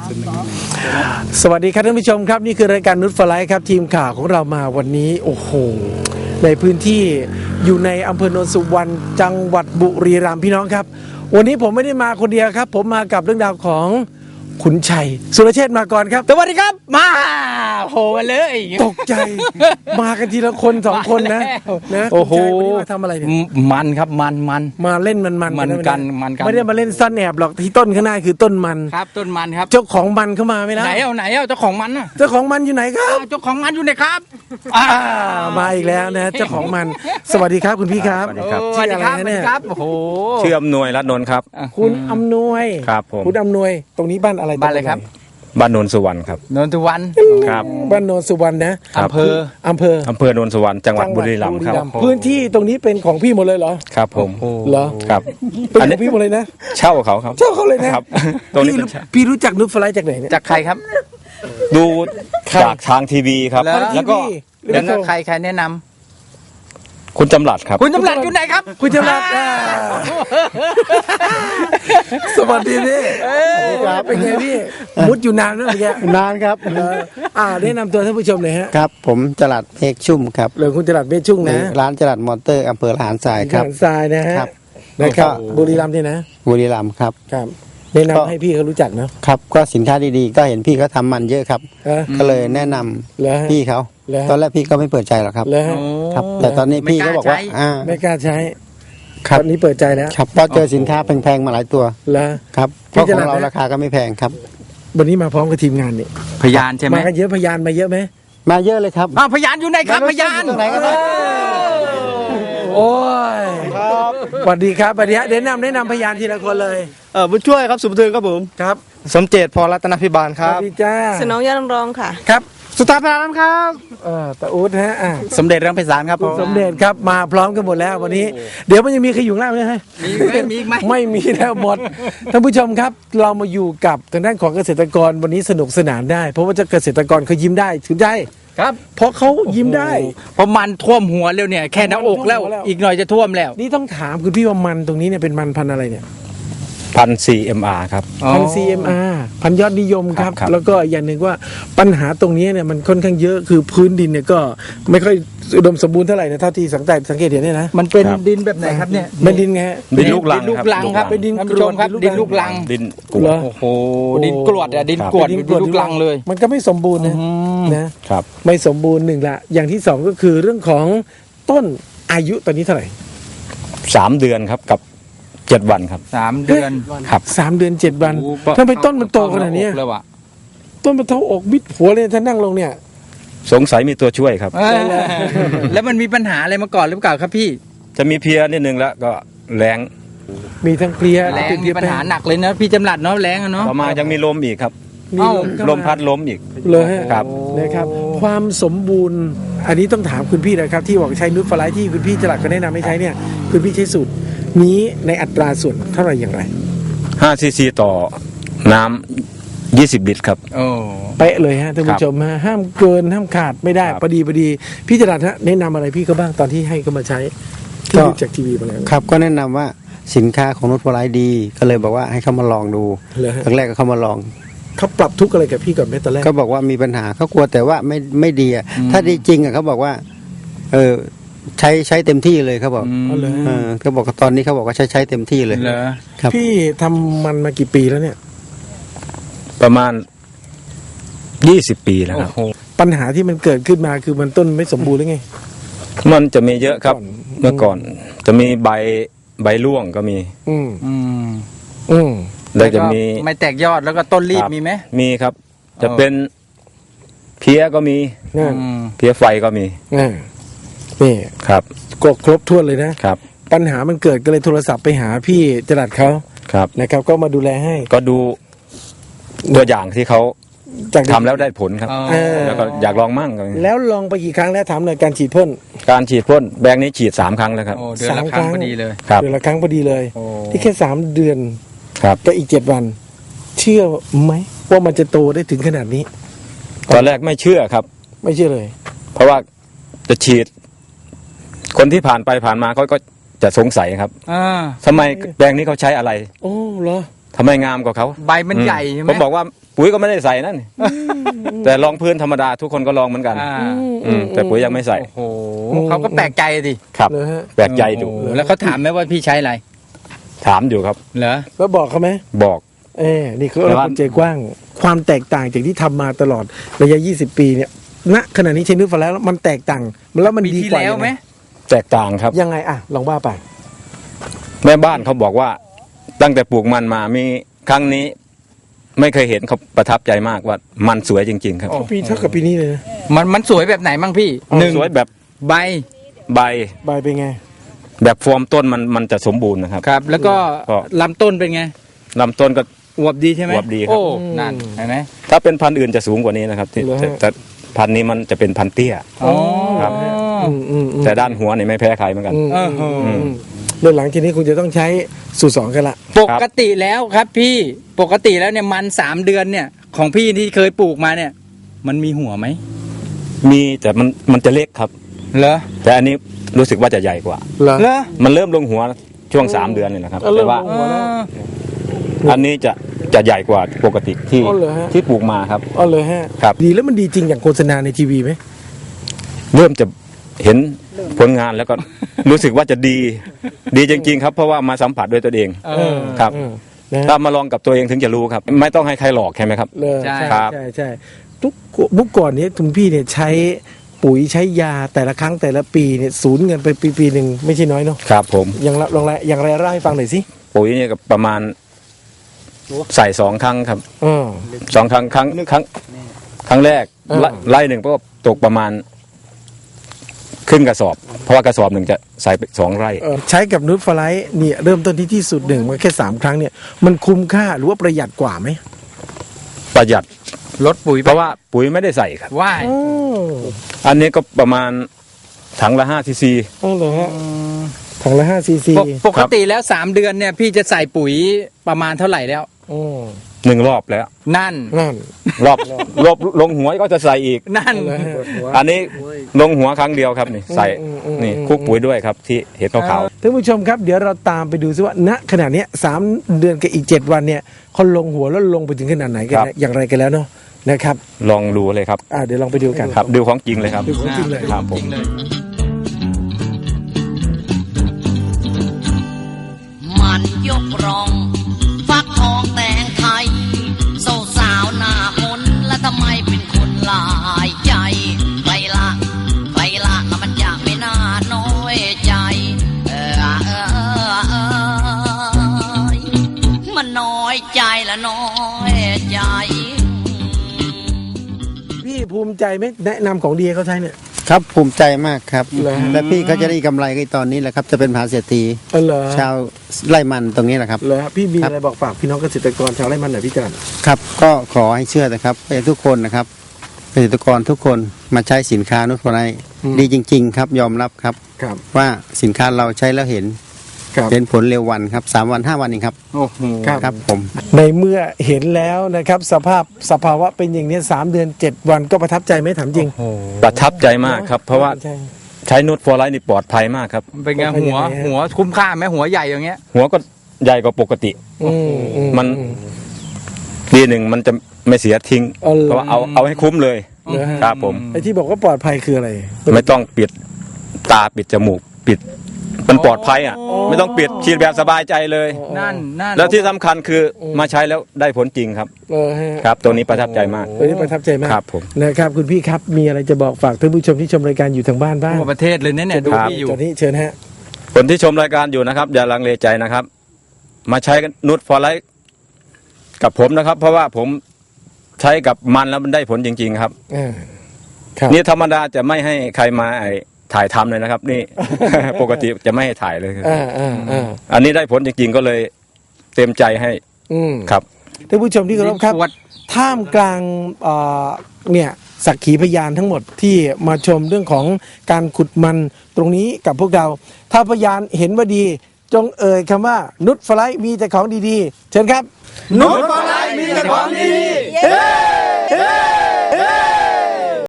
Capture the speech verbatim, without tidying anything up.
สวัสดีครับท่านผู้ชมครับนี่คือรายการนุชฟลายครับทีมข่าวของเรามาวันนี้โอ้โหในพื้นที่อยู่ในอำเภอโนนสุวรรณจังหวัดบุรีรัมย์พี่น้องครับวันนี้ผมไม่ได้มาคนเดียวครับผมมากับเรื่องราวของขุนชัยสุรเชษฐ์มาก่อนครับสวัสดีครับมาโหมาเลยตกใจมากันทีละคนสองคนนะนะโอ้โหวันนี้มาทำอะไรเนี่ยมันครับมันมันมาเล่นมันมันมันกันมันกันไม่ได้มาเล่นซ่อนแอบหรอกที่ต้นข้างหน้าคือต้นมันครับต้นมันครับเจ้าของมันเข้ามาไม่ได้ไหนเอาไหนเอาเจ้าของมันน่ะเจ้าของมันอยู่ไหนครับเจ้าของมันอยู่ไหนครับมาอีกแล้วนะเจ้าของมันสวัสดีครับคุณพี่ครับสวัสดีครับชื่ออะไรเนี่ยโอ้โหชื่ออำนวยรัตน์นนท์ครับคุณอำนวยครับผมคุณอำนวยตรงนี้บ้านอะไรบ้านอะไรครับบ้านโนนสุวรรณครับโนนสุวรรณครับบ้านโนนสุวรรณนะอำเภออำเภออำเภอโนนสุวรรณจังหวัดบุรีรัมย์ครับพื้นที่ตรงนี้เป็นของพี่หมดเลยเหรอครับผมเหรอครับเป็นของพี่หมดเลยนะเช่าเขาครับเช่าเขาเลยนะครับตรงนี้พี่รู้จักนุชฟลายจากไหนเนี่ยจากใครครับดูจากทางทีวีครับแล้วก็แล้วก็ใครใครแนะนำคุณจำหลัดครับคุณจำหลัดอยู่ไหนครับคุณจำหลัดสวัสดีพี่ครับเป็นไงพี่มุดอยู่นานแล้วเมื่อกี้นานครับอ่าแนะนำตัวท่านผู้ชมหน่อยฮะครับผมจรัสเอกชุ่มครับหรือคุณจรัสเมฆชุ่มนะร้านจรัสมอเตอร์อำเภอละหารทรายครับละหารทรายนะฮะนะครับบุรีรัมย์นี่นะบุรีรัมย์ครับครับแนะนำให้พี่เขารู้จักเนาะครับก็สินค้าดีๆก็เห็นพี่เขาทำมันเยอะครับก็เลยแนะนำพี่เขาตอนแรกพี่ก็ไม่เปิดใจหรอกครับครับแต่ตอนนี้พี่ก็บอกว่าไม่กล้าใช้ครับตอนนี้เปิดใจแล้วครับเพราะเจอสินค้าแพงๆมาหลายตัวแล้วครับเพราะของเราราคาก็ไม่แพงครับวันนี้มาพร้อมกับทีมงานนี่พยานใช่ไหมมากันเยอะพยานมาเยอะไหมมาเยอะเลยครับพยานอยู่ไหนครับพยานตรงไหนกันโอ้ยสวัสดีครับสวัสดีฮะแนะนำแนะนำพยานทีละคนเลยเออบุญช่วยครับสุภเทืองครับผมครับสมเจตพรรัตนพิบาลครับสวัสดีจ้าสนองยาลำรองค่ะครับสุตาพรานครับเออตาอู๊ดฮะสมเด็จรังไพศาลครับสมเด็จครับมาพร้อมกันหมดแล้ววันนี้เดี๋ยวมันยังมีใครอยู่ล่างไหมฮะมีไหมมีไหมไม่มีแล้วหมดท่านผู้ชมครับเรามาอยู่กับทางด้านของเกษตรกรวันนี้สนุกสนานได้เพราะว่าเกษตรกรเขายิ้มได้ถึงได้ครับเพราะเขายิ้มได้เพราะมันท่วมหัวแล้วเนี่ยแค่หน้าอกแล้วอีกหน่อยจะท่วมแล้วนี่ต้องถามคุณพี่ว่ามันตรงนี้เนี่ยเป็นมันพันธุ์อะไรเนี่ยพัน ซี เอ็ม อาร์ ครับพัน ซี เอ็ม อาร์ พันยอดนิยมครับแล้วก็อย่างหนึ่งว่าปัญหาตรงนี้เนี่ยมันค่อนข้างเยอะคือพื้นดินเนี่ยก็ไม่ค่อยอุดมสมบูรณ์เท่าไหร่นะเท่าที่สังเกตสังเกตเห็นเนี่ยนะมันเป็นดินแบบไหนครับเนี่ยเป็นดินไงดินลูกลังลูกลังครับเป็นดินกรวดครับดินลูกลังดินกรวดโอ้โหดินกรวดอะดินกรวดดินลูกลังเลยมันก็ไม่สมบูรณ์นะนะครับไม่สมบูรณ์หนึ่งละอย่างที่สองก็คือเรื่องของต้นอายุตอนนี้เท่าไหร่สามเดือนครับกับเจ็ดวันครับสามเดือนครับสามเดือนเจ็ดวันทำไมต้นมันโตขนาดนี้ต้นมันเท่าอกบิดหัวเลยท่านนั่งลงเนี่ยสงสัยมีตัวช่วยครับแล้วมันมีปัญหาอะไรมาก่อนหรือเปล่าครับพี่จะมีเพียนิดนึงแล้วก็แรงมีทั้งเพลียแรงมีปัญหาหนักเลยนะพี่จำหลัดเนาะแรงเนาะต่อมายังมีลมอีกครับมีลมพัดล้มอีกเลยครับนะครับความสมบูรณ์อันนี้ต้องถามคุณพี่นะครับที่บอกใช้นุชฟลายที่คุณพี่จลัดก็แนะนำให้ใช้เนี่ยคุณพี่ใช้สูตรนี้ในอัตราส่วนเท่าไหร่อย่างไรห้าซีซีต่อน้ำยี่สิบลิตรครับโอ้เป๊ะเลยฮะท่านผู้ชมฮะห้ามเกินห้ามขาดไม่ได้พอดีพอดีพี่จรัสฮะแนะนำอะไรพี่เขาบ้างตอนที่ให้เขามาใช้ที่ดูจากทีวีมาแล้วครับก็แนะนำว่าสินค้าของนุชฟลายดีก็เลยบอกว่าให้เขามาลองดูครั้งแรกก็เขามาลองเขาปรับทุกอะไรกับพี่ก่อนไหมตอนแรกเขาบอกว่ามีปัญหาเขากลัวแต่ว่าไม่ไม่ดีอ่ะถ้าดีจริงอ่ะเขาบอกว่าเออใช้ใช้เต็มที่เลยเขาบอกเออเขาบอกตอนนี้เขาบอกว่าใช้ใช้เต็มที่เลยครับพี่ทำมันมากี่ปีแล้วเนี่ยประมาณยี่สิบปีแล้วครับปัญหาที่มันเกิดขึ้นมาคือมันต้นไม่สมบูรณ์หรือไงมันจะมีเยอะครับเมื่อก่อนจะมีใบใบร่วงก็มีอืมอืมอืมแล้วจะมีไม่แตกยอดแล้วก็ต้นรีบมีไหมมีครับจะเป็นเพี้ยก็มีเพี้ยไฟก็มีนี่ครับก็ครบถ้วนเลยนะครับปัญหามันเกิดก็เลยโทรศัพท์ไปหาพี่จรัสเขาครับนะครับก็มาดูแลให้ก็ดูตัวอย่างที่เขาทำแล้วได้ผลครับแล้วก็อยากลองมั่งแล้วลองไปกี่ครั้งแล้วถามหน่อยการฉีดพ่นการฉีดพ่นแบงค์นี้ฉีดสามครั้งแล้วครับเดือนละครั้งพอดีเลยเดือนละครั้งพอดีเลยที่แค่สามเดือนครับก็อีกเจ็ดวันเชื่อไหมว่ามันจะโตได้ถึงขนาดนี้ตอนแรกไม่เชื่อครับไม่เชื่อเลยเพราะว่าจะฉีดคนที่ผ่านไปผ่านมาเขาก็จะสงสัยครับทำไมแปลงนี้เขาใช้อะไรโอ้เหรอทำไมงามกว่าเขาใบมันใหญ่ใช่ไหมผมบอกว่าปุ๋ยก็ไม่ได้ใส่นั่นแต่ลองพื้นธรรมดาทุกคนก็ลองเหมือนกันอ่าอืมแต่ปุ๋ยยังไม่ใส่โอ้โหเขาก็แปลกใจดิครับเลยฮะแปลกใจดูโอ้โหแล้วเขาถามไหมว่าพี่ใช้อะไรถามอยู่ครับเหรอแล้วบอกเขาไหมบอกเออนี่คือแต่เราว่าคนใจกว้าง ความแตกต่างจากที่ทำมาตลอดระยะยี่สิบปีเนี่ยณขณะนี้ใช้นูตฟลายแล้วมันแตกต่างแล้วมันปีดีที่กว่าแล้วไหมแตกต่างครับยังไงอ่ะลองว่าไปแม่บ้านเขาบอกว่าตั้งแต่ปลูกมันมามีครั้งนี้ ไม่เคยเห็นเขาประทับใจมากว่ามันสวยจริง ๆ ครับโอ้ปีเท่ากับปีนี้เลยนะมันมันสวยแบบไหนบ้างพี่หนึ่งสวยแบบใบใบใบเป็นไงแบบฟอร์มต้นมันมันจะสมบูรณ์นะครับครับ แล้วก็ก็ลำต้นเป็นไงลำต้นก็อวบดีใช่ไหมอวบดีครับโอ้นั่นเห็นไหมถ้าเป็นพันธุ์อื่นจะสูงกว่านี้นะครับที่เหรอฮะแต่แต่พันธุ์นี้มันจะเป็นพันธุ์เตี้ยอ๋อครับอืมอืมอืมแต่ด้านหัวเนี่ยไม่แพ้ใครเหมือนกันอืมเอออืมอืมเรื่องหลังทีนี้คุณจะต้องใช้สูตรสองกันละปกติแล้วครับพี่ปกติแล้วเนี่ยมันสามเดือนเนี่ย ของพี่ที่เคยปลูกมาเนี่ย มันมีหัวไหมมีแต่มันมันจะเล็กครับเหรอแต่อันนี้รู้สึกว่าจะใหญ่กว่าเหรอเหรอมันเริ่มลงหัวช่วงสามเดือนเนี่ยนะครับเอาเริ่แต่มว่าลงหัวแล้วอันนี้จะจะใหญ่กว่าปกติที่อ๋อเหรอฮะที่ปลูกมาครับอ๋อเลยฮะครับดีแล้วมันดีจริงอย่างโฆษณาในทีวีไหมเริ่มจะเห็นผลงานแล้วก็ รู้สึกว่าจะดี ดีจริง ๆ ครับ เพราะว่ามาสัมผัสด้วยตัวเองเออครับเออนะฮะถ้ามาลองกับตัวเองถึงจะรู้ครับ ไม่ต้องให้ใครหลอกใช่ไหมครับเลยใช่ใช่ครับใช่ใช่ทุกเมื่อก่อนเนี้คุณพี่เนี่ยใช้ปุ๋ยใช้ยาแต่ละครั้งแต่ละปีเนี่ยสูญเงินไปปีปีหนึ่งไม่ใช่น้อยเนาะครับผมอย่างละลองละอย่างไรเล่าให้ฟังหน่อยสิปุ๋ยเนี่ยก็ประมาณใส่สองครั้งครับเออสองครั้งครั้งครั้งครั้งแรกเออไล่ไล่หนึ่งก็ตกประมาณครึ่งกระสอบ เพราะว่ากระสอบหนึ่งจะใส่ไปสองไร่เออใช้กับนูตฟลายเนี่ยเริ่มต้นที่ที่สุดหนึ่งมันแค่สามครั้งเนี่ยมันคุ้มค่าหรือว่าประหยัดกว่าไหมประหยัดลดปุ๋ยเพราะว่าปุ๋ยไม่ได้ใส่ครับว่ายอ๋ออันนี้ก็ประมาณถังละห้าซีซีอ๋อเหรอฮะถังละห้าซีซีปกปกติแล้วสามเดือนเนี่ยพี่จะใส่ปุ๋ยประมาณเท่าไหร่แล้วอืมหนึ่งรอบแล้วนั่นนั่นรอบรอบลงหัวก็จะใส่อีกนั่นเลยฮะอันนี้ลงหัวครั้งเดียวครับนี่ใส่อืมอืมนี่อืมคลุกปุ๋ยด้วยครับ ที่เห็ดขาวท่านผู้ชมครับเดี๋ยวเราตามไปดูซิว่าณขณะเนี้ยสามเดือนกับอีกเจ็ดวันเนี่ยเขาลงหัวแล้วลงไปถึงขนาดไหนกันนะอย่างไรกันแล้วเนาะนะครับๆลองดูเลยครับอ่าเดี๋ยวลองไปดูกันครับดูของจริงเลยครับดูของจริงเลยครับผมมันยกรอง ฟักทองแต่งไทยสาวสาวหน้ามนต์และทำไมเป็นคนหลายใจใครละใครละแล้วมันอยากไม่น่าน้อยใจเออเออเออเออมันน้อยใจละน้อยใจพี่ภูมิใจไหมแนะนำของดีให้เขาใช้เนี่ยครับภูมิใจมากครับเหรอฮะและพี่เขาจะได้กำไรก็ตอนนี้แหละครับ จะเป็นมหาเศรษฐีเออเหรอชาวไร่มันตรงนี้แหละครับเหรอฮะพี่มีครับอะไรบอกฝากพี่น้องเกษตรกรชาวไร่มันหน่อยพี่จันครับก็ขอให้เชื่อนะครับให้ทุกคนนะครับเกษตรกรทุกคนมาใช้สินค้านุชฟลายดีจริง ๆ ครับยอมรับครับครับว่าสินค้าเราใช้แล้วเห็นครับเห็นผลเร็ววันครับสามวันห้าวันเองครับโอ้โหครับครับผมในเมื่อเห็นแล้วนะครับสภาพสภาวะเป็นอย่างนี้สามเดือนเจ็ดวันก็ประทับใจไหมถามจริงประทับใจมากครับ เพราะว่าใช่ใช้นูตฟอร์ไลท์นี่ปลอดภัยมากครับเป็นไงเป็นหัวยังไงฮะหัวคุ้มค่าไหมหัวใหญ่อย่างเงี้ยหัวก็ใหญ่กว่าปกติอืมอืมัน ดีหนึ่งมันจะไม่เสียทิ้งอ๋อเหรอเพราะว่าเอาเอาให้คุ้มเลยเหรอฮะครับผมไอ้ที่บอกว่าปลอดภัยคืออะไรไม่ต้องปิดตาปิดจมูกปิด มันปลอดภัยอ่ะ ไม่ต้องปิดฉีดแบบสบายใจเลยนั่นนั่นแล้วที่สำคัญคือมาใช้แล้วได้ผลจริงครับเออฮะครับ ตัวนี้ประทับใจมากตัวนี้ประทับใจมากครับผมนะครับคุณพี่ครับมีอะไรจะบอกฝากท่านผู้ชมที่ชมรายการอยู่ทางบ้านบ้างทั่วประเทศเลยเนี่ยเนี่ยดูครับพี่อยู่ตอนนี้เชิญฮะคนที่ชมรายการอยู่นะครับ อย่าลังเลใจนะครับ มาใช้นูตฟอร์ไลท์กับผมนะครับ เพราะว่าผมใช้กับมันแล้วมันได้ผลจริง ๆ ครับอ่าครับนี่ธรรมดาจะไม่ให้ใครมาไอ้ถ่ายทำเลยนะครับ นี่ ปกติจะไม่ให้ถ่ายเลยอ่าอ่าอ่าอันนี้ได้ผลจริง ๆ ก็เลยเต็มใจให้อืมครับท่านผู้ชมที่เคารพครับสวัสดีท่ามกลางเอ่อเนี่ยสักขีพยานทั้งหมดที่มาชมเรื่องของการขุดมันตรงนี้กับพวกเรา ถ้าพยานเห็นว่าดี จงเอ่ยคำว่านุชฟลายมีแต่ของดีๆ เชิญครับ นุชฟลายมีแต่ของดีๆ